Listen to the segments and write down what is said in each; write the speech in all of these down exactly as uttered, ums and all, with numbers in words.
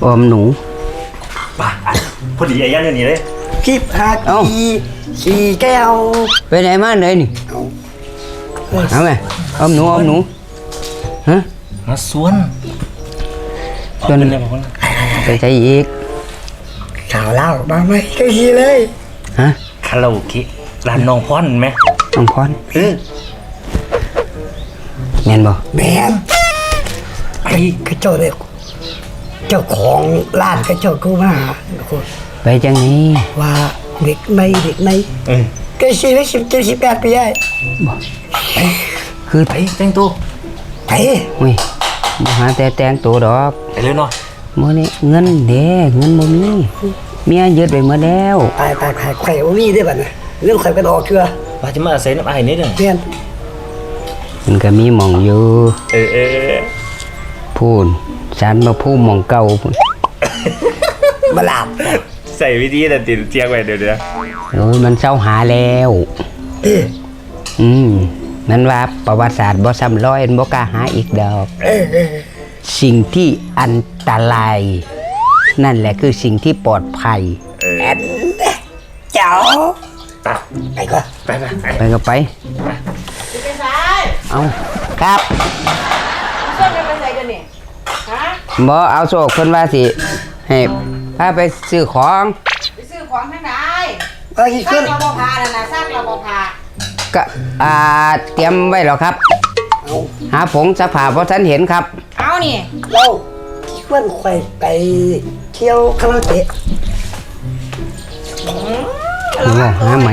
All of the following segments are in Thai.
อมหนูป่ะพอดีไอ้ยันอย่างนี้เลยคลิปหากีขี่แก้วไปไหนมาไหนนี่เอาไงอมหนูอมหนูฮะมาสวนจนไปใช้อีกข่าวเล่าบ้างไหมก็ขี่เลยฮะคาราโอเกะร้านน้องพรไหมน้องพรเออแมนบ่แมนไอ้กระโจนเด็กเจ้าของร้านกระโจนกูมาไปจังนี้ว่าเด็กในเด็กในก็ชีวิตสิบเจ็ดสิบแปดปีได้คือไปแต่งตัวไปอุ้ยมาหาแต่แต่งตัวดอกไปเลยเนาะมื้อนี้เงินเด้เงินบ่มีเมียยึดไปหมดแล้วไปไปไปไข่บ่มีได้บัดน่ะเรื่องไข่เป็นออกเชื่อว่าจะมาอาศัยน้ำไอ้นี่เด้อเพี้ยนมันก็มีหม่องอยู่เออเออพูนฉันมาพูดหม่องเก่าพุ่นมาหลับใส่วิธีแต่ติดเจียงไว้เดี๋ยวเดี๋ยวโอ้ยมันเศร้าหาแล้วอืมมันว่าประวัติศาสตร์บ่ซ้ำร้อยบ่กล้าหาอีกดอกสิ่งที่อันตรายนั่นแหละคือสิ่งที่ปลอดภัยแอนเจ้าไปก็ไปไปไปก็ไปเอาครับบ่เอาโชคเพิ่นว่าสิให้พาไปซื้อของไปซื้อของทางใดเอ้ยขึ้นเราบ่พาน่ะนะซักเราบ่พาก็อ่าเตรียมไว้แล้วครับหาผงสภาพเพราะฉันเห็นครับเอานี่เราคิดว่าใครไปเที่ยวคาราโอเกะบอกหาใหม่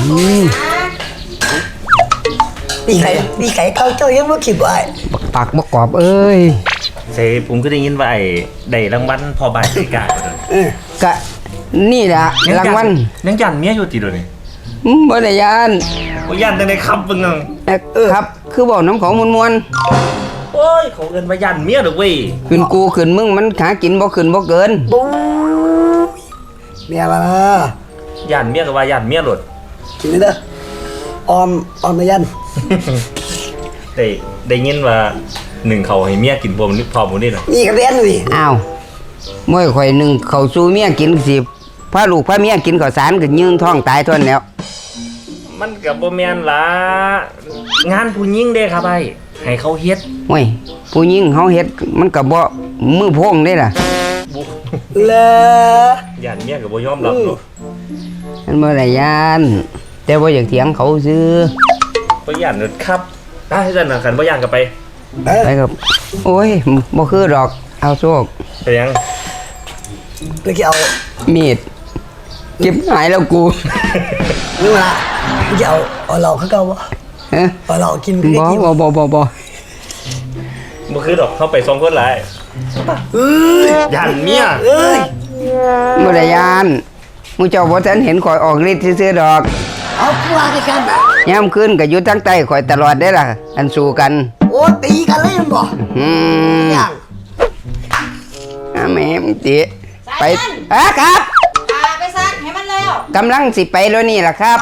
นี่ใครนี่ใครเขาเจ้ายังไม่คิดว่าปากบกกรอบเอ้ยเซผมก็ได้ยินว่าไอ้ได้รางวัลพอบ่ายกาก็นี่แหละรางวัลยังยันเมียอยู่ติดเลยบ่ได้ยันบ่ยันแต่ในคำเป็นไงครับคือบอกน้ำของมวลมวลโอ้ยเขาเกินมายันเมียหรอเว้ยขึ้นกูขึ้นมึงมันหากินบ่ขึ้นบ่เกินบูเมียมายันเมียกับว่ายันเมียหลุดกินเด้อออมออมมายันได้ได้ยินว่าหนึ่งเขาให้เมียกินพวกนี้พอหมดนี่เหรอนี่กับเลี้ยนนี่อ้าวเมื่อข่อยหนึ่งเขาสู้เมียกินสิพาลูกพาเมียกินข้าวสารก็ยืนท้องตายทนแล้วมันกับบ่แม่นล่ะงานผู้หญิงเด้ครับไอ้ให้เขาเฮ็ดโอ้ยผู้หญิงเฮาเฮ็ดมันก็บ่มือโพงได้ล่ะเลยันเมียก็บ่ยอมรับเนาะมันบ่ได้ยันแต่บ่อยากเถียงเขาซื่อบ่ยันครับได้ซั่นน่ะคันบ่ยันก็ไปไปกับโอ้ยบ่คือดอกเอาโชคไปยังไปเอามีดเก็บหายแล้วกูนี่ล่ะจะเอาเอาเราเขาเก่าบ่ฮะเอาเรากินบ่บ่บ่บ่บ่บ่คือดอกเข้าไปสองคนหลายเอ้ยยันเมียเอ้ยบ่ได้ยันมูเจ้าบ่ทันเห็นข่อยออกฤทธิ์ซื่อๆดอกเอากลัวกันแบบยามคืนก็อยู่ทั้งใต้ข่อยตลอดได้ล่ะอันสู้กันโอ้ตีกันเลยบ่อืมยังอ่ะแม่มึงติไปอ่ะครับไปซักให้มันแล้วกำลังสิไปแล้วนี่ล่ะครับ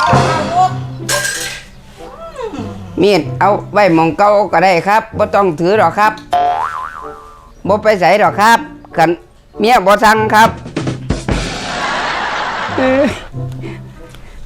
มีดเอาไว้มองเก่าก็ได้ครับบ่ต้องถือหรอกครับบ่ไปใส่หรอกครับกันเมียบ่สั่งครับ